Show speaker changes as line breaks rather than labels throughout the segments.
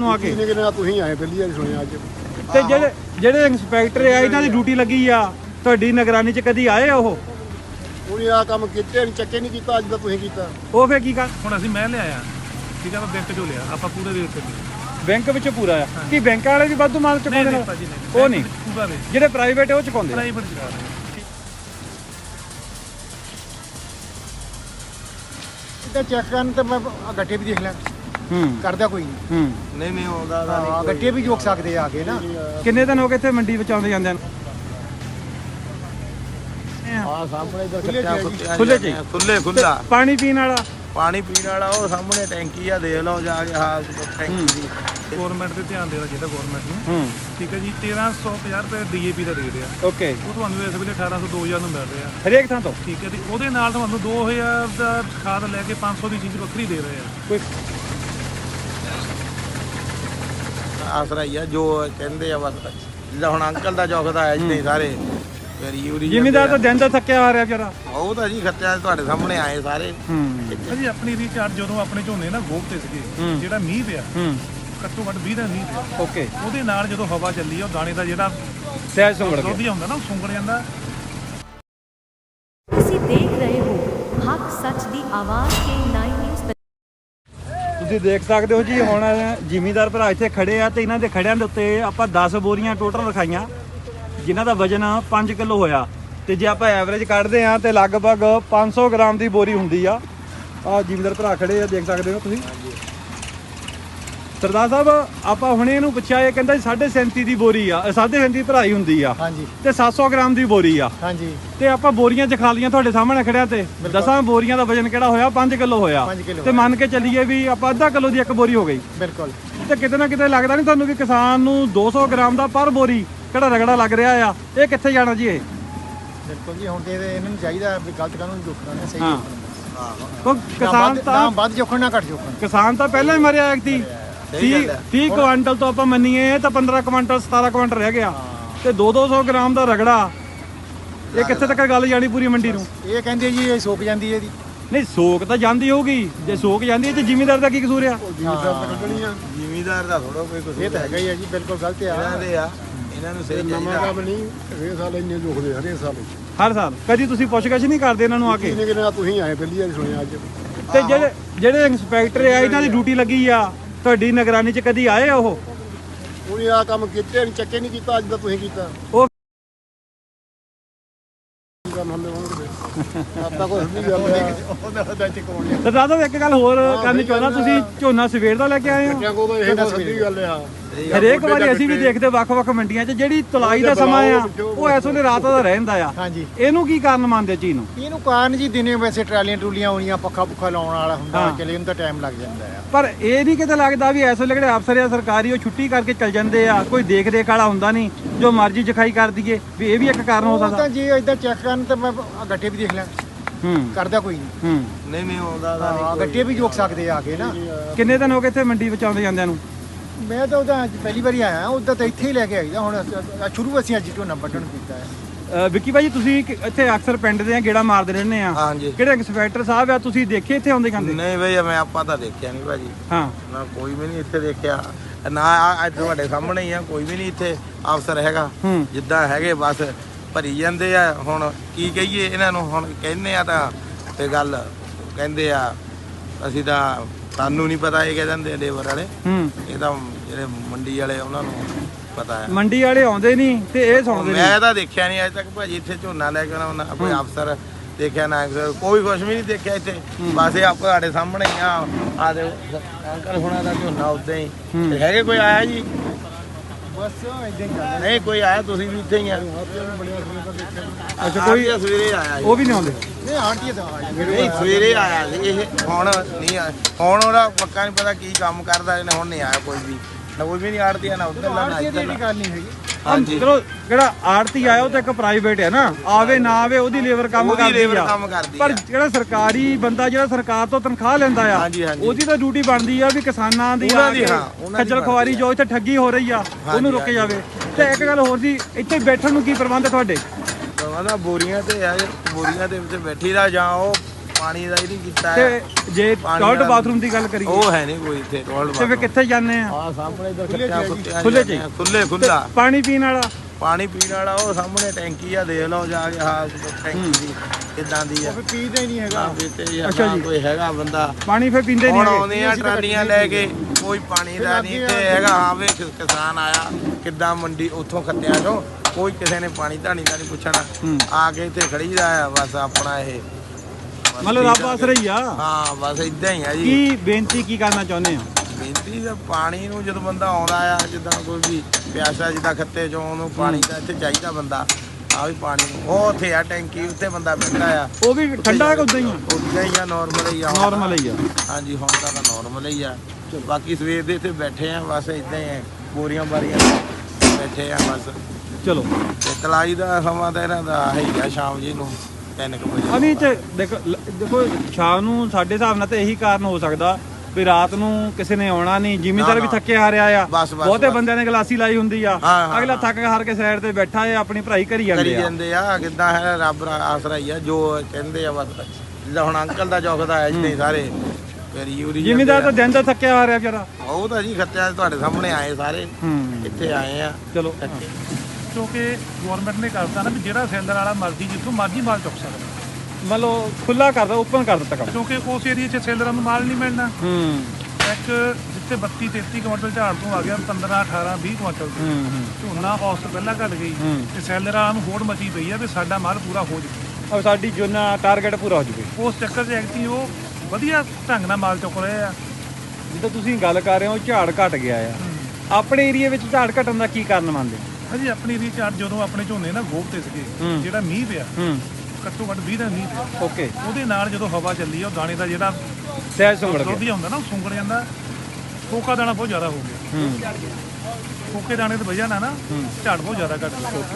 ਨੂੰ ਆ ਕੇ
ਤੁਸੀਂ ਆਏ ਪਹਿਲੀ ਵਾਰੀ ਸੁਣਿਆ ਅੱਜ
ਤੇ ਜਿਹੜੇ ਇੰਸਪੈਕਟਰ ਆ ਇਹਨਾਂ ਦੀ ਡਿਊਟੀ ਲੱਗੀ ਆ ਤੁਹਾਡੀ ਨਿਗਰਾਨੀ 'ਚ ਕਦੀ ਆਏ ਉਹ
ਉਹਨੇ ਆ ਕੰਮ ਕੀਤੇ ਨਹੀਂ ਚੱਕੇ ਨਹੀਂ ਕੀਤਾ ਅੱਜ ਦਾ ਤੁਸੀਂ ਕੀਤਾ
ਉਹ ਫੇਰ ਕੀ ਕਰ
ਹੁਣ ਅਸੀਂ ਮੈਂ ਲਿਆਇਆ ਠੀਕ ਆ ਮੈਂ ਬੈਂਕ ਚੋਂ ਲਿਆ ਆਪਾਂ ਪੂਰੇ ਰੇਟ ਤੇ
ਬੈਂਕ ਵਿੱਚ ਪੂਰਾ ਆ ਕੀ ਬੈਂਕ ਵਾਲੇ ਵੀ ਵਾਧੂ ਮਾਲ ਚੁਕਾਉਂਦੇ ਨੇ ਉਹ ਨਹੀਂ
ਪੂਰਾ ਰੇਟ
ਜਿਹੜੇ ਪ੍ਰਾਈਵੇਟ ਉਹ ਚੁਕਾਉਂਦੇ
ਪ੍ਰਾਈਵੇਟ ਚੁਕਾ ਰਹੇ
ਇੱਦਾਂ ਚੈੱਕ ਕਰਨ ਤੇ ਮੈਂ ਗੱਟੇ ਵੀ ਦੇਖ ਲਿਆ ਕਰਦਾ ਕੋਈ ਨਹੀਂ
ਨਹੀਂ ਆਉਂਦਾ
ਗੱਟੇ ਵੀ ਜੋਕ ਸਕਦੇ ਆ ਕੇ ਨਾ
ਕਿੰਨੇ ਦਿਨ ਹੋ ਗਏ ਇੱਥੇ ਮੰਡੀ ਵਿੱਚ ਆਉਂਦੇ ਜਾਂਦੇ ਨੂੰ
ਆ ਸਾਹਮਣੇ ਇਧਰ
ਖੁੱਲਾ
ਪਾਣੀ ਪੀਣ ਵਾਲਾ
ਪਾਣੀ ਪੀਣ ਵਾਲਾ ਉਹ ਸਾਹਮਣੇ ਟੈਂਕੀ ਆ ਦੇਖ ਲਓ ਜਾ ਕੇ ਹਾਂ ਟੈਂਕੀ ਦੀ ਗਵਰਨਮੈਂਟ ਤੇ ਧਿਆਨ ਦੇਣਾ ਚਾਹੀਦਾ ਗਵਰਨਮੈਂਟ ਨੂੰ ਠੀਕ ਹੈ ਜੀ 1350 ਰੁਪਏ ਡੀਏਪੀ ਦਾ ਰੇਟ ਆ
ਓਕੇ
ਉਹ ਤੁਹਾਨੂੰ ਇਸ ਵੇਲੇ 1800 2000 ਨੂੰ ਮਿਲ ਰਿਹਾ
ਹਰੇਕ ਥਾਂ ਤੋਂ
ਠੀਕ ਹੈ ਜੀ ਉਹਦੇ ਨਾਲ ਤੁਹਾਨੂੰ 2000 ਦਾ ਖਾਦ ਲੈ ਕੇ 500 ਦੀ ਚੀਜ਼ ਵੱਖਰੀ ਦੇ ਰਹੇ ਆ
ਕੋਈ
ਆਸਰਾ ਹੀ ਆ ਜੋ ਕਹਿੰਦੇ ਆ ਬਸ ਜਿੱਦਾਂ ਹੁਣ ਅੰਕਲ ਦਾ ਚੌਕਦਾ ਆ ਜਿੰਨੇ ਸਾਰੇ
ਜ਼ਿਮੀਂਦਾਰ ਤਾਂ ਦਿਨ ਦਾ ਥੱਕਿਆ ਆ ਰਿਹਾ ਵਿਚਾਰਾ
ਉਹ ਤਾਂ ਜੀ ਖੱਤਿਆ ਤੁਹਾਡੇ ਸਾਹਮਣੇ ਆਏ ਸਾਰੇ ਜੀ ਆਪਣੀ ਰੀਚਾਰਜ ਜਦੋਂ ਆਪਣੇ ਝੋਨੇ ਨਾ ਗੋਬ ਤੇ ਸੀਗੇ ਜਿਹੜਾ ਮੀਂਹ ਪਿਆ ਘੱਟੋ ਘੱਟ 20 ਦਿਨ ਮੀਂਹ ਪਿਆ
ਓਕੇ
ਉਹਦੇ ਨਾਲ ਜਦੋਂ ਹਵਾ ਚੱਲੀ ਉਹ ਦਾਣੇ ਦਾ ਜਿਹੜਾ
ਸਹਿਜ ਸੁੰਗੜ ਗਿਆ
ਦੁੱਧ ਹੁੰਦਾ ਨਾ ਉਹ ਸੁੰਗੜ ਜਾਂਦਾ
ਤੁਸੀਂ ਦੇਖ ਰਹੇ ਹੋ ਹੱਕ ਸੱਚ ਦੀ ਆਵਾਜ਼ ਕੇ 9 ਨਿਊਜ਼
ਤੁਸੀਂ ਦੇਖ ਸਕਦੇ ਹੋ ਜੀ ਹੁਣ ਜ਼ਿਮੀਂਦਾਰ ਭਰਾ ਇੱਥੇ ਖੜੇ ਆ ਤੇ ਇਹਨਾਂ ਦੇ ਖੜਿਆਂ ਦੇ ਉੱਤੇ ਆਪਾਂ 10 ਬੋਰੀਆਂ ਟੋਟਲ ਰਖਾਈਆਂ ਜਿਨ੍ਹਾਂ ਦਾ ਵਜਨ 5 ਕਿਲੋ ਹੋਇਆ ਤੇ ਜੇ ਆਪਾਂ ਐਵਰੇਜ ਕੱਢਦੇ ਆ ਤੇ ਲਗਭਗ 500 ਗ੍ਰਾਮ ਦੀ ਬੋਰੀ ਹੁੰਦੀ ਆ ਜ਼ਿਮੀਂਦਾਰ ਭਰਾ ਖੜੇ ਆ ਦੇਖ ਸਕਦੇ ਹੋ ਤੁਸੀਂ ਸਰਦਾਰ ਸਾਹਿਬ ਆਪਾਂ ਹੁਣੇ ਇਹਨੂੰ ਪੁੱਛਿਆ ਇਹ ਕਹਿੰਦਾ 37.5 ਦੀ ਬੋਰੀ ਆ 37.5 ਭਰਾਈ ਹੁੰਦੀ ਆ
ਹਾਂਜੀ
ਤੇ 700 ਗ੍ਰਾਮ ਦੀ ਬੋਰੀ ਆ
ਹਾਂਜੀ
ਤੇ ਆਪਾਂ ਬੋਰੀਆਂ ਚ ਖਾ ਲੀਆਂ ਤੁਹਾਡੇ ਸਾਹਮਣੇ ਖੜਿਆ ਤੇ 10 ਬੋਰੀਆਂ ਦਾ ਵਜਨ ਕਿਹੜਾ ਹੋਇਆ 5 ਕਿਲੋ ਹੋਇਆ ਤੇ ਮੰਨ ਕੇ ਚੱਲੀਏ ਵੀ ਆਪਾਂ ਅੱਧਾ ਕਿਲੋ ਦੀ ਇੱਕ ਬੋਰੀ ਹੋ ਗਈ
ਬਿਲਕੁਲ
ਤੇ ਕਿਤੇ ਨਾ ਕਿਤੇ ਲੱਗਦਾ ਨਹੀਂ ਤੁਹਾਨੂੰ ਵੀ ਕਿਸਾਨ ਨੂੰ 200 ਗ੍ਰਾਮ ਦਾ ਪਰ ਬੋਰੀ ਕਿਹੜਾ ਰਗੜਾ ਲੱਗ ਰਿਹਾ ਆ ਇਹ ਕਿੱਥੇ ਜਾਣਾ ਜੀ ਇਹ
ਬਿਲਕੁਲ ਜੀ ਹੁਣ ਤੇ ਇਹਨਾਂ ਨੂੰ ਚਾਹੀਦਾ ਵੀ ਗਲਤ ਕਾਨੂੰਨ ਜੋਖਣਾ ਨੇ ਸਹੀ
ਕਿਸਾਨ ਤਾਂ
ਵੱਧ ਜੋਖਣ ਨਾ ਘੱਟ ਜੋਖਣ
ਕਿਸਾਨ ਤਾਂ ਪਹਿਲਾਂ ਹੀ ਮਰਿਆ ਇੱਕ 30 ਕੁਆਂਟਲ ਤੋਂ ਆਪਾਂ ਮੰਨੀਏ ਤਾਂ 15 ਕੁਆਂਟਲ 17 ਕੁਆਂਟਲ ਰਹਿ ਗਿਆ ਤੇ 200 ਗ੍ਰਾਮ ਦਾ ਰਗੜਾ ਇਹ ਕਿੱਥੇ ਤੱਕ ਗੱਲ ਜਾਣੀ ਪੂਰੀ ਮੰਡੀ ਨੂੰ
ਇਹ ਕਹਿੰਦੇ ਜੀ ਇਹ ਸੁੱਕ ਜਾਂਦੀ ਹੈ ਇਹਦੀ
ਨਹੀਂ ਸੋਕ ਤਾਂ ਜਾਂਦੀ ਹੋਊਗੀ ਜੇ ਸੋਕ ਜਾਂਦੀ ਹੈ ਤੇ ਜ਼ਿਮੀਂਦਾਰ ਦਾ ਕੀ ਕਸੂਰ ਆ
ਜ਼ਿਮੀਦਾਰ ਦਾ ਥੋੜਾ ਕੋਈ ਕੁਝ
ਇਹ ਤਾਂ ਹੈਗਾ ਹੀ ਆ ਜੀ ਬਿਲਕੁਲ ਗਲਤ ਆ
ਇਹਨਾਂ ਨੂੰ ਸਹੀ
ਨਵਾਂ ਕੰਮ ਨਹੀਂ ਹਰੇਕ ਸਾਲ ਇੰਨੇ ਜੋਖਦੇ ਹਰੇਕ ਸਾਲ
ਹਰ ਸਾਲ ਕਦੀ ਤੁਸੀਂ ਪੁੱਛਗਛ ਨਹੀਂ ਕਰਦੇ ਇਹਨਾਂ ਨੂੰ ਆ ਕੇ
ਤੁਸੀਂ ਆਏ ਪਹਿਲੀ ਵਾਰੀ ਸੁਣਿਆ ਅੱਜ
ਤੇ ਜਿਹੜੇ ਇੰਸਪੈਕਟਰ ਆ ਇਹਨਾਂ ਦੀ ਡਿਊਟੀ ਲੱਗੀ ਆ ਤੁਹਾਡੀ ਨਿਗਰਾਨੀ 'ਚ ਕਦੀ ਆਏ ਉਹ
ਉਹਨੇ ਆ ਕੰਮ ਕੀਤੇ ਨਹੀਂ ਚੱਕੇ ਨਹੀਂ ਕੀਤਾ ਅੱਜ ਦਾ ਤੁਸੀਂ ਕੀਤਾ
ਉਹ
ਕੰਮ ਹੁੰਦੇ ਹੋਣਗੇ ਆਪਾਂ ਕੋਈ ਨਹੀਂ ਉਹਦਾ ਚਕਾਉਣ ਲਿਆ
ਸਰਦਾਰ ਸਾਹਿਬ ਇੱਕ ਗੱਲ ਹੋਰ ਕਰਨੀ ਚਾਹੁੰਦਾ ਤੁਸੀਂ ਝੋਨਾ ਸਵੇਰ ਦਾ ਲੈ ਕੇ ਆਏ ਹੋ
ਕਿਆ ਕੋ ਇਹ ਤਾਂ ਸੱਚੀ ਗੱਲ ਆ
ਹਰੇਕ ਵਾਰੀ ਅਸੀਂ ਵੀ ਦੇਖਦੇ ਵੱਖ-ਵੱਖ ਮੰਡੀਆਂ 'ਚ ਜਿਹੜੀ ਤੁਲਾਈ ਦਾ ਸਮਾਂ ਆ ਉਹ ਇਸ ਵੇਲੇ ਰਾਤ ਦਾ ਰਹਿੰਦਾ ਆ
ਹਾਂਜੀ
ਇਹਨੂੰ ਕੀ ਕਾਰਨ ਮੰਨਦੇ ਚੀਜ਼ ਨੂੰ
ਇਹਨੂੰ ਕਾਰਨ ਜੀ ਦਿਨੇ ਵੈਸੇ ਟਰਾਲੀਆਂ ਟਰੂਲੀਆਂ ਆਉਣੀਆਂ ਪੱਖਾ ਲਾਉਣ ਵਾਲਾ ਹੁੰਦਾ ਚਲੇ ਉਹਨੂੰ ਤਾਂ ਟਾਈਮ ਲੱਗ ਜਾਂਦਾ ਆ
ਪਰ ਇਹ ਨਹੀਂ ਕਿਤੇ ਲੱਗਦਾ ਵੀ ਇਸ ਵੇਲੇ ਜਿਹੜੇ ਅਫਸਰ ਆ ਸਰਕਾਰੀ ਉਹ ਛੁੱਟੀ ਕਰਕੇ ਚੱਲ ਜਾਂਦੇ ਆ ਕੋਈ ਦੇਖ ਰੇਖ ਵਾਲਾ ਹੁੰਦਾ ਨਹੀਂ ਜੋ ਮਰਜ਼ੀ ਜਖਾਈ ਕਰ ਦਈਏ ਵੀ ਇਹ ਵੀ ਇੱਕ ਕਾਰਨ ਹੋ ਸਕਦਾ
ਤਾਂ ਜੇ ਇਦਾਂ ਚੈੱਕ ਕਰਨ ਤੇ ਮੈਂ ਗੱਟੇ ਵੀ ਦੇਖ ਲਿਆ ਕਰਦਾ ਕੋਈ
ਨਹੀਂ ਆਉਂਦਾ
ਗੱਟੇ ਵੀ ਜੋਕ ਸਕਦੇ ਆ ਕੇ ਨਾ
ਕਿੰਨੇ ਦਿਨ ਹੋ ਗਏ ਇੱਥੇ ਮੰਡੀ ਵਿੱਚ ਆਉਂਦੇ ਜਾਂਦਿਆਂ ਨੂੰ
ਮੈਂ ਤਾਂ ਉਹਦਾ ਅੱਜ ਪਹਿਲੀ ਵਾਰੀ ਆਇਆ ਉਹਦਾ ਤਾਂ ਇੱਥੇ ਹੀ ਲੈ ਕੇ ਆਈਦਾ ਹੁਣ ਸ਼ੁਰੂ ਅਸੀਂ ਅੱਜ ਝੋਨਾ ਵੱਢਣ ਕੀਤਾ ਹੈ
ਵਿੱਕੀ ਭਾਜੀ ਤੁਸੀਂ ਇੱਥੇ ਅਕਸਰ ਪਿੰਡ ਦੇ ਗੇੜਾ ਮਾਰਦੇ ਰਹਿੰਦੇ ਆ
ਹਾਂਜੀ
ਕਿਹੜੇ ਇੰਸਪੈਕਟਰ ਸਾਹਿਬ ਆ ਤੁਸੀਂ ਦੇਖੇ ਇੱਥੇ ਆਉਂਦੇ ਜਾਂਦੇ
ਨਹੀਂ ਬਈ ਮੈਂ ਆਪਾਂ ਤਾਂ ਦੇਖਿਆ ਨਹੀਂ ਭਾਜੀ
ਹਾਂ
ਨਾ ਕੋਈ ਵੀ ਨਹੀਂ ਇੱਥੇ ਦੇਖਿਆ ਨਾ ਅੱਜ ਤੁਹਾਡੇ ਸਾਹਮਣੇ ਹੀ ਆ ਕੋਈ ਵੀ ਨਹੀਂ ਇੱਥੇ ਅਫਸਰ ਹੈਗਾ ਜਿੱਦਾਂ ਹੈਗੇ ਬਸ ਭਰੀ ਜਾਂਦੇ ਆ ਹੁਣ ਕੀ ਕਹੀਏ ਇਹਨਾਂ ਨੂੰ ਹੁਣ ਕਹਿੰਦੇ ਆ ਤਾਂ ਤੇ ਗੱਲ ਕਹਿੰਦੇ ਆ ਅਸੀਂ ਤਾਂ ਸਾਨੂੰ ਨਹੀਂ ਪਤਾ ਇਹ ਕਹਿ ਦਿੰਦੇ ਲੇਬਰ ਵਾਲੇ ਇਹ ਤਾਂ ਜਿਹੜੇ ਮੰਡੀ ਵਾਲੇ ਉਹਨਾਂ ਨੂੰ ਪਤਾ ਹੈ
ਮੰਡੀ ਵਾਲੇ ਆਉਂਦੇ ਨਹੀਂ ਤੇ ਇਹ ਸੁਣਦੇ
ਮੈਂ ਤਾਂ ਦੇਖਿਆ ਨਹੀਂ ਅੱਜ ਤੱਕ ਭਾਜੀ ਇੱਥੇ ਝੋਨਾ ਲੈ ਕੇ ਆਉਣਾ ਕੋਈ ਅਫਸਰ ਦੇਖਿਆ ਨਾ ਕੋਈ ਕੁਛ ਵੀ ਨਹੀਂ ਦੇਖਿਆ ਇੱਥੇ ਬਸ ਇਹ ਆਪ ਤੁਹਾਡੇ ਸਾਹਮਣੇ ਹੀ ਆ ਦੇ ਅੰਕਲ ਹੁਣਾਂ ਦਾ ਝੋਨਾ ਉਦਾਂ ਹੀ ਹੈਗੇ ਕੋਈ ਆਇਆ ਜੀ
ਬਸ ਇਦਾਂ ਹੀ
ਨਹੀਂ ਕੋਈ ਆਇਆ ਤੁਸੀਂ ਵੀ ਇੱਥੇ ਹੀ ਆ
ਅੱਛਾ ਕੋਈ
ਸਵੇਰੇ ਆਇਆ
ਉਹ ਵੀ ਨਹੀਂ ਆਉਂਦੇ
ਨਹੀਂ ਆਂਟੀ ਤਾਂ
ਨਹੀਂ ਸਵੇਰੇ ਆਇਆ ਸੀ ਇਹ ਹੁਣ ਨਹੀਂ ਆਇਆ ਹੁਣ ਉਹਦਾ ਪੱਕਾ ਨਹੀਂ ਪਤਾ ਕੀ ਕੰਮ ਕਰਦਾ ਇਹਨੇ ਹੁਣ ਨਹੀਂ ਆਇਆ ਕੋਈ ਵੀ ਨਾ ਕੋਈ ਵੀ ਨਹੀਂ ਆੜਦੀ ਨਾ ਉੱਧਰ ਨਾ ਇੱਧਰ
ਗੱਲ ਨਹੀਂ ਹੈਗੀ
ਹਾਂਜੀ
ਚਲੋ ਜਿਹੜਾ ਆੜਤੀ ਆਇਆ ਉਹ ਤਾਂ ਇੱਕ ਪ੍ਰਾਈਵੇਟ ਹੈ ਨਾ ਆਵੇ ਨਾ ਆਵੇ ਉਹਦੀ ਲੇਬਰ ਕੰਮ ਕਰਦੀ ਆ ਪਰ ਜਿਹੜਾ ਸਰਕਾਰੀ ਬੰਦਾ ਜਿਹੜਾ ਸਰਕਾਰ ਤੋਂ ਤਨਖਾਹ ਲੈਂਦਾ ਆ ਉਹਦੀ ਤਾਂ ਡਿਊਟੀ ਬਣਦੀ ਆ ਵੀ ਕਿਸਾਨਾਂ ਦੀ ਖੱਜਲ ਖਵਾਰੀ ਜੋ ਇੱਥੇ ਠੱਗੀ ਹੋ ਰਹੀ ਆ ਉਹਨੂੰ ਰੋਕੇ ਜਾਵੇ ਤੇ ਇੱਕ ਗੱਲ ਹੋਰ ਜੀ ਇੱਥੇ ਬੈਠਣ ਨੂੰ ਕੀ ਪ੍ਰਬੰਧ ਤੁਹਾਡੇ
ਪ੍ਰਬੰਧ ਬੋਰੀਆਂ ਤੇ ਆ ਬੋਰੀਆਂ ਦੇ ਵਿੱਚ ਬੈਠੀ ਦਾ ਜਾਂ ਉਹ ਪਾਣੀ ਦਾ ਹੀ ਨਹੀਂ ਕੀਤਾ
ਤੇ
ਹੈ।
ਜੇ
ਪਾਣੀ
ਟਾਇਲਟ
ਵਾਲਾ-
ਬਾਥਰੂਮ ਦੀ ਗੱਲ ਕਰੀਏ
ਉਹ ਹੈ ਨਹੀਂ ਕੋਈ ਇੱਥੇ ਟੋਇਲਟ
ਤੇ ਫਿਰ ਕਿੱਥੇ ਜਾਂਦੇ ਆ?
ਆ ਸਾਹਮਣੇ ਇਧਰ
ਖੁੱਲੇ ਚ ਹੈ ਜੀ।
ਖੁੱਲੇ ਚ ਹੀ?
ਖੁੱਲੇ ਖੁੱਲਾ
ਪਾਣੀ ਪੀਣ ਵਾਲਾ?
ਪਾਣੀ ਪੀਣ ਵਾਲਾ ਉਹ ਸਾਹਮਣੇ ਟੈਂਕੀ ਆ, ਦੇਖ ਲਓ ਜਾ ਕੇ ਹਾਂ ਟੈਂਕੀ ਦੀ ਕਿੱਦਾਂ ਦੀ ਆ।
ਉਹ ਫਿਰ ਪੀਦਾ ਹੀ ਨਹੀਂ ਹੈਗਾ।
ਨਾ ਪੀਤੇ
ਅੱਛਾ
ਜਾਂ
ਜੀ।
ਕੋਈ ਹੈਗਾ ਬੰਦਾ
ਪਾਣੀ ਫਿਰ ਪੀਂਦੇ ਨਹੀਂ
ਹੁਣ
ਹੈਗੇ?
ਆਉਂਦੇ ਆ ਟਰਾਲੀਆਂ ਲੈ ਕੇ, ਕੋਈ ਪਾਣੀ ਦਾ ਨਹੀਂ ਤੇ ਹੈਗਾ। ਹਾਂ ਵੇ ਕਿਸਾਨ ਆਇਆ ਕਿੱਦਾਂ ਮੰਡੀ ਉੱਥੋਂ ਖੱਤਿਆਂ ਚੋਂ, ਕੋਈ ਕਿਸੇ ਨੇ ਪਾਣੀ ਧਾਣੀ ਦਾ ਨਹੀਂ ਪੁੱਛਣਾ, ਆ ਕੇ ਇੱਥੇ ਖੜੀ ਦਾ ਆ ਬਸ ਆਪਣਾ ਇਹ ਬਸ
ਮਤਲਬ ਰੱਬ ਆਸਰਾ ਹੀ ਆ।
ਹਾਂ ਬਸ ਇਦਾਂ ਹੀ ਆ ਜੀ।
ਕੀ ਬੇਨਤੀ ਕੀ ਕਰਨਾ ਚਾਹੁੰਦੇ ਹੋ?
ਬੇਨਤੀ ਦਾ ਪਾਣੀ ਨੂੰ ਜਦੋਂ ਬੰਦਾ ਆਉਂਦਾ ਆ, ਜਿੱਦਾਂ ਕੋਈ ਵੀ ਪਿਆਸਾ ਜਿੱਦਾਂ ਖੱਤੇ ਚੋਂ ਉਹਨੂੰ ਪਾਣੀ ਦਾ ਇੱਥੇ ਚਾਹੀਦਾ ਬੰਦਾ, ਆ ਵੀ ਪਾਣੀ ਨੂੰ ਉਹ ਉੱਥੇ ਆ ਟੈਂਕੀ ਉੱਤੇ ਬੰਦਾ ਬੈਠਾ ਆ।
ਉਹ ਵੀ ਠੰਡਾ ਕਿ ਉਦਾਂ ਹੀ ਆ?
ਉਦਾਂ ਹੀ ਆ, ਨਾਰਮਲ ਹੀ ਆ।
ਨਾਰਮਲ ਹੀ ਆ।
ਹਾਂਜੀ ਹੁਣ ਤਾਂ ਨਾਰਮਲ ਹੀ ਆ। ਬਾਕੀ ਸਵੇਰ ਦੇ ਇੱਥੇ ਬੈਠੇ ਆ ਬਸ ਇਦਾਂ ਹੀ ਆ, ਬੋਰੀਆਂ ਬਾਰੀਆਂ ਬੈਠੇ ਆ ਬਸ।
ਚਲੋ
ਤੇ ਤਲਾਈ ਦਾ ਸਮਾਂ ਤਾਂ ਇਹਨਾਂ ਦਾ ਹੈ ਹੀ ਆ, ਸ਼ਾਮ ਜੀ ਨੂੰ 3 ਵਜੇ।
ਅਭੀ ਤੇ ਦੇਖੋ ਸ਼ਾਮ ਨੂੰ ਸਾਡੇ ਹਿਸਾਬ ਨਾਲ ਤਾਂ ਇਹੀ ਕਾਰਨ ਹੋ ਸਕਦਾ ਵੀ ਰਾਤ ਨੂੰ ਕਿਸੇ ਨੇ ਆਉਣਾ ਨਹੀਂ, ਜ਼ਿਮੀਂਦਾਰ ਵੀ ਥੱਕੇ ਹਾਰਿਆ ਆ,
ਬਸ,
ਬਹੁਤੇ ਬੰਦਿਆਂ ਨੇ ਗਲਾਸੀ ਲਾਈ ਹੁੰਦੀ ਆ,
ਹਾਂ,
ਅਗਲਾ ਥੱਕ ਹਾਰ ਕੇ ਸਾਈਡ ਤੇ ਬੈਠਾ ਹੈ ਆਪਣੀ ਭਰਾਈ ਕਰੀ
ਕਰੀ
ਜਾਂਦੇ ਆ।
ਜਾਂਦੇ ਆ। ਕਿੱਦਾਂ ਹੈ ਰੱਬ ਦਾ ਆਸਰਾ ਹੀ ਆ, ਜੋ ਕਹਿੰਦੇ ਆ ਬਸ। ਜਿੱਦਾਂ ਹੁਣ ਅੰਕਲ ਦਾ ਚੌਕਦਾ ਹੈ ਜਿੱਦਾਂ ਸਾਰੇ ਫੇਰੀ ਯੂਰੀ
ਜ਼ਿਮੀਂਦਾਰ ਤਾਂ ਦਿਨ ਦਾ ਥੱਕਿਆ ਹਾਰਿਆ ਵਿਚਾਰਾ।
ਉਹ ਤਾਂ ਜੀ ਖੱਤਿਆਂ ਤੁਹਾਡੇ ਸਾਹਮਣੇ ਆਏ ਸਾਰੇ, ਇੱਥੇ ਆਏ ਆ।
ਚਲੋ
ਕਿਉਂਕਿ ਗਵਰਨਮੈਂਟ ਨੇ ਕਰਤਾ ਨਾ ਵੀ ਜਿਹੜਾ ਸੈਲਰ ਵਾਲਾ ਮਰਜ਼ੀ ਜਿੱਥੋਂ ਮਰਜ਼ੀ ਮਾਲ ਚੁੱਕ ਸਕਦਾ,
ਮਤਲਬ ਖੁੱਲਾ ਕਰਦਾ, ਓਪਨ ਕਰ ਦਿੱਤਾ ਕੰਮ।
ਕਿਉਂਕਿ ਉਸ ਏਰੀਆ 'ਚ ਸੈਲਰਾਂ ਨੂੰ ਮਾਲ ਨਹੀਂ ਮਿਲਣਾ। ਇੱਕ ਜਿੱਥੇ 32-33 ਕੁਇੰਟਲ ਝਾੜ ਤੋਂ ਆ ਗਿਆ 15-18-20 ਕੁਇੰਟਲ ਝੋਨਾ ਔਸਤ ਪਹਿਲਾਂ ਘਟ ਗਈ ਤੇ ਸੈਲਰਾਂ ਨੂੰ ਹੋੜ ਮਚੀ ਪਈ ਆ ਵੀ ਸਾਡਾ ਮਾਲ ਪੂਰਾ ਹੋ ਜਾਵੇ,
ਔਰ ਸਾਡੀ ਜੋਨਾ ਟਾਰਗੇਟ ਪੂਰਾ ਹੋ ਜੂਵੇ।
ਉਸ ਚੱਕਰ 'ਚ ਐਕਟੀ ਉਹ ਵਧੀਆ ਢੰਗ ਨਾਲ ਮਾਲ ਚੁੱਕ ਰਹੇ ਆ।
ਜਿੱਦਾਂ ਤੁਸੀਂ ਗੱਲ ਕਰ ਰਹੇ ਹੋ ਝਾੜ ਘਟ ਗਿਆ ਆ, ਆਪਣੇ ਏਰੀਆ ਵਿੱਚ ਝਾੜ ਘਟਣ ਦਾ ਕੀ ਕਾਰਨ ਮੰਨਦੇ?
ਹਾਂਜੀ ਆਪਣੀ ਏਰੀਆ 'ਚ ਝਾੜ ਜਦੋਂ ਆਪਣੇ ਝੋਨੇ ਨਾ ਗੋਭ ਤੇ ਸੀਗੇ, ਜਿਹੜਾ ਮੀਂਹ ਪਿਆ ਘੱਟੋ ਘੱਟ 20 ਦਾ ਮੀਂਹ ਪਿਆ,
ਓਕੇ,
ਉਹਦੇ ਨਾਲ ਜਦੋਂ ਹਵਾ ਚੱਲੀ ਉਹ ਦਾਣੇ ਦਾ ਜਿਹੜਾ
ਸਹਿਜ ਸੁੰਗੜ ਗਿਆ।
ਦੁੱਧ ਹੁੰਦਾ ਨਾ ਉਹ ਸੁੰਗੜ ਜਾਂਦਾ, ਫੋਕਾ ਦਾਣਾ ਬਹੁਤ ਜ਼ਿਆਦਾ ਹੋ ਗਿਆ। ਫੋਕੇ ਦਾਣੇ ਦੀ ਵਜ੍ਹਾ ਨਾਲ ਨਾ ਝਾੜ ਬਹੁਤ ਜ਼ਿਆਦਾ ਘਟ ਗਿਆ।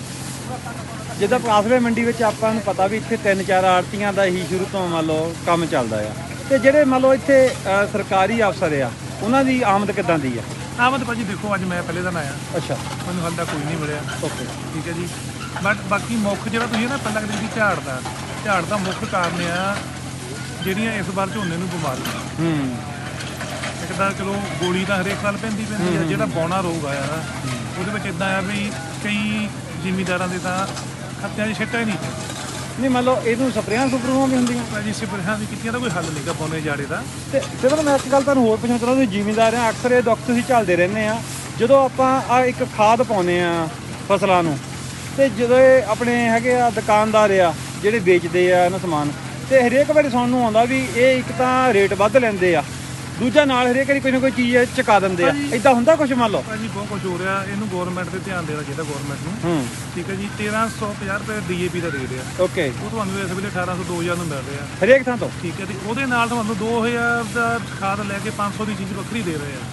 ਜਿੱਦਾਂ ਕਾਸਵੇ ਮੰਡੀ ਵਿੱਚ ਆਪਾਂ ਨੂੰ ਪਤਾ ਵੀ ਇੱਥੇ 3-4 ਆੜਤੀਆਂ ਦਾ ਹੀ ਸ਼ੁਰੂ ਤੋਂ ਮੰਨ ਲਓ ਕੰਮ ਚੱਲਦਾ ਆ, ਤੇ ਜਿਹੜੇ ਮੰਨ ਲਓ ਇੱਥੇ ਸਰਕਾਰੀ ਅਫਸਰ ਆ ਉਹਨਾਂ ਦੀ ਆਮਦ ਕਿੱਦਾਂ ਦੀ ਆ?
ਆਮਦ ਭਾਜੀ ਦੇਖੋ ਅੱਜ ਮੈਂ ਪਹਿਲੇ ਦਿਨ ਆਇਆ,
ਅੱਛਾ,
ਮੈਨੂੰ ਹਾਲੇ ਤੱਕ ਕੋਈ ਨਹੀਂ ਮਿਲਿਆ।
ਓਕੇ,
ਠੀਕ ਹੈ ਜੀ। ਬਟ ਬਾਕੀ ਮੁੱਖ ਜਿਹੜਾ ਤੁਸੀਂ ਨਾ ਪਹਿਲਾਂ ਕਹਿੰਦੇ ਸੀ ਝਾੜ ਦਾ ਮੁੱਖ ਕਾਰਨ ਆ ਜਿਹੜੀਆਂ ਇਸ ਵਾਰ ਝੋਨੇ ਨੂੰ ਬਿਮਾਰੀਆਂ। ਇੱਕ ਤਾਂ ਚਲੋ ਗੋਲੀ ਤਾਂ ਹਰੇਕ ਸਾਲ ਪੈਂਦੀ ਆ, ਜਿਹੜਾ ਬੌਣਾ ਰੋਗ ਆਇਆ ਨਾ ਉਹਦੇ ਵਿੱਚ ਇਦਾਂ ਆ ਵੀ ਕਈ ਜ਼ਿਮੀਂਦਾਰਾਂ ਦੇ ਤਾਂ ਖੱਤਿਆਂ ਦੀ ਛਿੱਟਾ ਹੀ ਨਹੀਂ
ਨਹੀਂ ਮੰਨ ਲਓ ਇਹਨੂੰ ਸਪਰੇਆਂ ਸੁਪਰੂਆਂ ਵੀ ਹੁੰਦੀਆਂ?
ਭਾਜੀ ਸਪਰੇਆਂ ਵੀ ਕੀਤੀਆਂ ਤਾਂ ਕੋਈ ਹੱਲ ਨਹੀਂਗਾ ਬੌਨੇ ਜਾੜੇ ਦਾ।
ਤੇ ਸਿਰਫ ਮੈਂ ਇੱਕ ਗੱਲ ਤੁਹਾਨੂੰ ਹੋਰ ਪੁੱਛਣਾ ਚਾਹੁੰਦਾ, ਤੁਸੀਂ ਜ਼ਿਮੀਂਦਾਰ ਆ, ਅਕਸਰ ਇਹ ਦੁੱਖ ਤੁਸੀਂ ਝੱਲਦੇ ਰਹਿੰਦੇ ਆ, ਜਦੋਂ ਆਪਾਂ ਆ ਇੱਕ ਖਾਦ ਪਾਉਂਦੇ ਆ ਫਸਲਾਂ ਨੂੰ, ਤੇ ਜਦੋਂ ਇਹ ਆਪਣੇ ਹੈਗੇ ਆ ਦੁਕਾਨਦਾਰ ਆ ਜਿਹੜੇ ਵੇਚਦੇ ਆ ਇਹਨਾਂ ਸਮਾਨ, ਤੇ ਹਰੇਕ ਵਾਰੀ ਸੁਣਨ ਨੂੰ ਆਉਂਦਾ ਵੀ ਇਹ ਇੱਕ ਤਾਂ ਰੇਟ ਵੱਧ ਲੈਂਦੇ ਆ, ਦੂਜਾ ਨਾਲ ਹਰੇਕ ਵਾਰੀ ਕੋਈ ਨਾ ਕੋਈ ਚੀਜ਼ ਚੁਕਾ ਦਿੰਦੇ ਆ, ਇਦਾਂ ਹੁੰਦਾ ਕੁਝ? ਮੰਨ ਲਓ
ਭਾਜੀ ਬਹੁਤ ਕੁਝ ਹੋ ਰਿਹਾ, ਇਹਨੂੰ ਗਵਰਨਮੈਂਟ ਤੇ ਧਿਆਨ ਦੇਣਾ ਚਾਹੀਦਾ ਗਵਰਨਮੈਂਟ ਨੂੰ। ਠੀਕ ਹੈ ਜੀ। 1350 ਰੁਪਏ ਡੀਏਪੀ ਦਾ ਰੇਟ ਆ,
ਓਕੇ,
ਉਹ ਤੁਹਾਨੂੰ ਇਸ ਵੇਲੇ 1800 2000 ਨੂੰ ਮਿਲ ਰਿਹਾ
ਹਰੇਕ ਥਾਂ ਤੋਂ।
ਠੀਕ ਹੈ ਤੇ ਉਹਦੇ ਨਾਲ ਤੁਹਾਨੂੰ 2000 ਦਾ ਖਾਦ ਲੈ ਕੇ 500 ਦੀ ਚੀਜ਼ ਵੱਖਰੀ ਦੇ ਰਹੇ ਆ।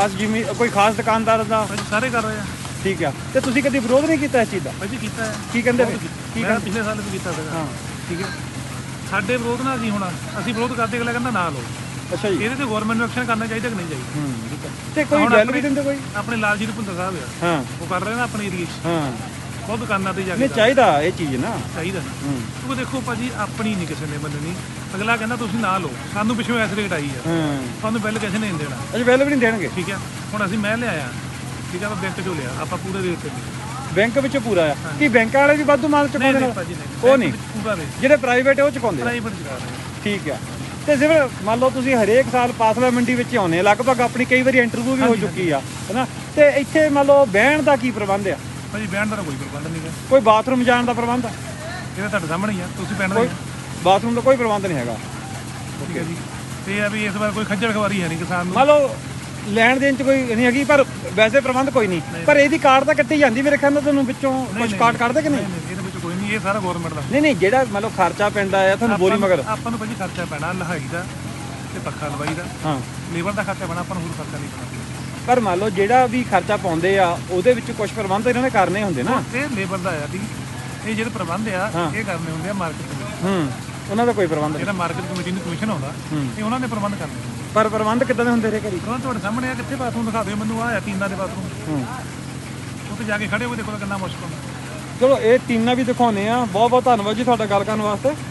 ਕੋਈ ਖਾਸ ਦੁਕਾਨਦਾਰ ਦਾ?
ਭਾਜੀ ਸਾਰੇ ਕਰ ਰਹੇ ਆ।
ਠੀਕ ਆ, ਤੇ ਤੁਸੀਂ ਕਦੀ ਵਿਰੋਧ ਨਹੀਂ ਕੀਤਾ ਇਸ ਚੀਜ਼ ਦਾ?
ਭਾਜੀ ਕੀਤਾ ਹੈ।
ਕੀ ਕਹਿੰਦੇ
ਬਹੁਤ
ਫਿਰ?
ਕੀਤਾ।
ਕੀ
ਮੈਂ ਪਿਛਲੇ ਸਾਲ ਵੀ ਕੀਤਾ ਸੀਗਾ।
ਹਾਂ,
ਠੀਕ ਹੈ। ਸਾਡੇ ਵਿਰੋਧ ਨਾਲ ਅਸੀਂ ਵਿਰੋਧ ਕਰਦੇ, ਅਗਲਾ ਕਹਿੰਦਾ ਨਾ ਲਓ।
ਅੱਛਾ ਜੀ।
ਇਹਦੇ ਤੇ ਗਵਰਨਮੈਂਟ ਨੂੰ ਐਕਸ਼ਨ ਕਰਨਾ ਚਾਹੀਦਾ ਕਿ ਨਹੀਂ ਚਾਹੀਦਾ?
ਤੇ ਕੋਈ
ਹੁਣ
ਗੱਲ ਵੀ ਦਿੰਦੇ ਕੋਈ?
ਆਪਣੇ ਲਾਲਜੀਤ ਭੁੰਦਰ ਸਾਹਿਬ ਆ,
ਹਾਂ
ਉਹ ਕਰ ਰਹੇ ਨਾ ਆਪਣੇ ਏਰੀਏ 'ਚ
ਹਾਂ,
ਬਹੁਤ ਦੁਕਾਨਾਂ ਤੇ ਜਾ ਕੇ
ਨਹੀਂ ਚਾਹੀਦਾ ਇਹ ਚੀਜ਼ ਨਾ,
ਚਾਹੀਦਾ। ਕਿਉਂਕਿ ਦੇਖੋ ਭਾਜੀ ਆਪਣੀ ਨਹੀਂ ਕਿਸੇ ਨੇ ਮੰਨਣੀ, ਅਗਲਾ ਕਹਿੰਦਾ ਤੁਸੀਂ ਨਾ ਲਓ, ਸਾਨੂੰ ਪਿੱਛੋਂ ਐਸ ਰੇਟ ਆਈ ਆ, ਸਾਨੂੰ ਬਿੱਲ ਕਿਸੇ ਨੇ ਨਹੀਂ ਦੇਣਾ।
ਅਜੇ ਬਿੱਲ ਵੀ ਨਹੀਂ ਦੇਣਗੇ?
ਠੀਕ ਹੈ। ਹੁਣ ਮੈਂ ਲਿਆਇਆ, ਠੀਕ ਹੈ, ਆਪਾਂ ਬੈਂਕ 'ਚੋਂ ਲਿਆ, ਆਪਾਂ ਪੂਰੇ ਰੇਟ ਤੇ ਲਿਆ।
ਬੈਂਕ ਵਿੱਚ ਪੂਰਾ ਆ? ਕੀ ਬੈਂਕਾਂ ਵਾਲੇ ਵੀ ਵਾਧੂ ਮਾਲ ਚੁਕਾਉਂਦੇ ਨੇ?
ਭਾਜੀ
ਉਹ ਨਹੀਂ,
ਪੂਰਾ ਰੇਟ
ਜਿਹੜੇ ਪ੍ਰਾਈਵੇਟ ਉਹ ਚੁਕਾਉਂਦੇ?
ਪ੍ਰਾਈਵੇਟ ਚੁਕਾ ਰਹੇ।
ਠੀਕ ਆ। ਤੇ ਜਿਵੇਂ ਮੰਨ ਲਓ ਤੁਸੀਂ ਹਰੇਕ ਸਾਲ ਪਾਸਲਾ ਮੰਡੀ ਵਿੱਚ ਆਉਂਦੇ, ਲਗਭਗ ਆਪਣੀ ਕਈ ਵਾਰੀ ਇੰਟਰਵਿਊ ਵੀ ਹੋ ਚੁੱਕੀ ਆ, ਹੈਨਾ, ਤੇ ਇੱਥੇ ਮੰਨ ਲਓ ਬਹਿਣ ਦਾ ਕੀ ਪ੍ਰਬੰਧ ਆ?
ਭਾਜੀ ਬਹਿਣ ਦਾ ਕੋਈ ਪ੍ਰਬੰਧ ਨਹੀਂ ਹੈ।
ਕੋਈ ਬਾਥਰੂਮ ਜਾਣ ਦਾ ਪ੍ਰਬੰਧ?
ਇਹ ਤੁਹਾਡੇ ਸਾਹਮਣੇ ਹੀ ਆ, ਤੁਸੀਂ ਬਹਿਣ ਦਾ
ਕੋਈ ਬਾਥਰੂਮ ਦਾ ਕੋਈ ਪ੍ਰਬੰਧ ਨਹੀਂ ਹੈਗਾ?
ਠੀਕ ਹੈ ਜੀ। ਤੇ ਇਹ ਆ ਵੀ ਇਸ ਵਾਰ ਕੋਈ ਖੱਜਲ ਖਵਾਰੀ ਹੈ ਨਹੀਂ ਕਿਸਾਨ ਨੂੰ।
ਮੰਨ ਲਓ ਲੈਣ ਦੇਣ ਚ ਕੋਈ ਨਹੀਂ ਹੈਗੀ, ਪਰ ਵੈਸੇ ਪ੍ਰਬੰਧ ਕੋਈ ਨਹੀਂ, ਪਰ ਇਹਦੀ ਕਾਰਡ ਤਾਂ ਕੱਟੀ ਜਾਂਦੀ ਮੇਰੇ ਖਿਆਲ ਨਾਲ, ਤੁਹਾਨੂੰ ਵਿੱਚੋਂ ਕੁਝ ਕਾਰਡ ਕੱਢਦੇ ਕਿ ਨਹੀਂ?
ਇਹਦੇ ਵਿੱਚ ਕੋਈ ਨਹੀਂ, ਇਹ ਸਾਰਾ ਗਵਰਨਮੈਂਟ ਦਾ।
ਨਹੀਂ ਜਿਹੜਾ ਮੰਨ ਲਓ ਖਰਚਾ ਪੈਂਦਾ ਆ ਤੁਹਾਨੂੰ ਬੋਰੀ ਮਗਰ?
ਆਪਾਂ ਨੂੰ ਭਾਜੀ ਖਰਚਾ ਪੈਣਾ ਲਹਾਈ ਦਾ ਤੇ ਪੱਖਾ ਲਵਾਈ ਦਾ,
ਹਾਂ,
ਲੇਬਰ ਦਾ ਖਰਚਾ ਪੈਣਾ, ਆਪਾਂ ਨੂੰ ਹੋਰ ਖਰਚਾ ਨਹੀਂ ਪੈਣਾ।
ਪਰ ਮੰਨ ਲਓ ਜਿਹੜਾ ਵੀ ਖਰਚਾ ਪਾਉਂਦੇ ਆ ਉਹਦੇ ਵਿੱਚ ਕੁਝ ਪ੍ਰਬੰਧ ਇਹਨਾਂ ਨੇ ਕਰਨੇ ਹੁੰਦੇ ਨਾ?
ਇਹ ਲੇਬਰ ਦਾ ਆ ਜੀ, ਇਹ ਜਿਹੜੇ ਪ੍ਰਬੰਧ ਆ ਇਹ ਕਰਨੇ ਹੁੰਦੇ ਆ ਮਾਰਕੀਟ ਕਮੇਟੀ।
ਉਹਨਾਂ ਦਾ ਕੋਈ ਪ੍ਰਬੰਧ ਨਹੀਂ?
ਜਿਹੜਾ ਮਾਰਕੀਟ ਕਮੇਟੀ ਨੂੰ ਕਮਿਸ਼ਨ ਆਉਂਦਾ ਇਹ ਉਹਨਾਂ ਨੇ ਪ੍ਰਬੰਧ ਕਰਨੇ।
ਪਰ ਪ੍ਰਬੰਧ ਕਿੱਦਾਂ ਦੇ ਹੁੰਦੇ ਨੇ ਘਰੀ?
ਉਹਨਾਂ ਤੁਹਾਡੇ ਸਾਹਮਣੇ ਆ, ਕਿੱਥੇ ਬਾਥਰੂਮ ਦਿਖਾ ਦਿਓ ਮੈਨੂੰ, ਆ ਟੀਨਾਂ ਦੇ ਬਾਥਰੂਮ, ਉੱਥੇ ਜਾ ਕੇ ਖੜੇ ਹੋਏ ਦੇਖੋ ਕਿੰਨਾ ਮੁਸ਼ਕਲ ਹੁੰਦਾ।
ਚਲੋ ਇਹ ਟੀਨਾਂ ਵੀ ਦਿਖਾਉਨੇ ਆ। ਬਹੁਤ ਬਹੁਤ ਧੰਨਵਾਦ ਜੀ ਤੁਹਾਡਾ ਗੱਲ ਕਰਨ ਵਾਸਤੇ।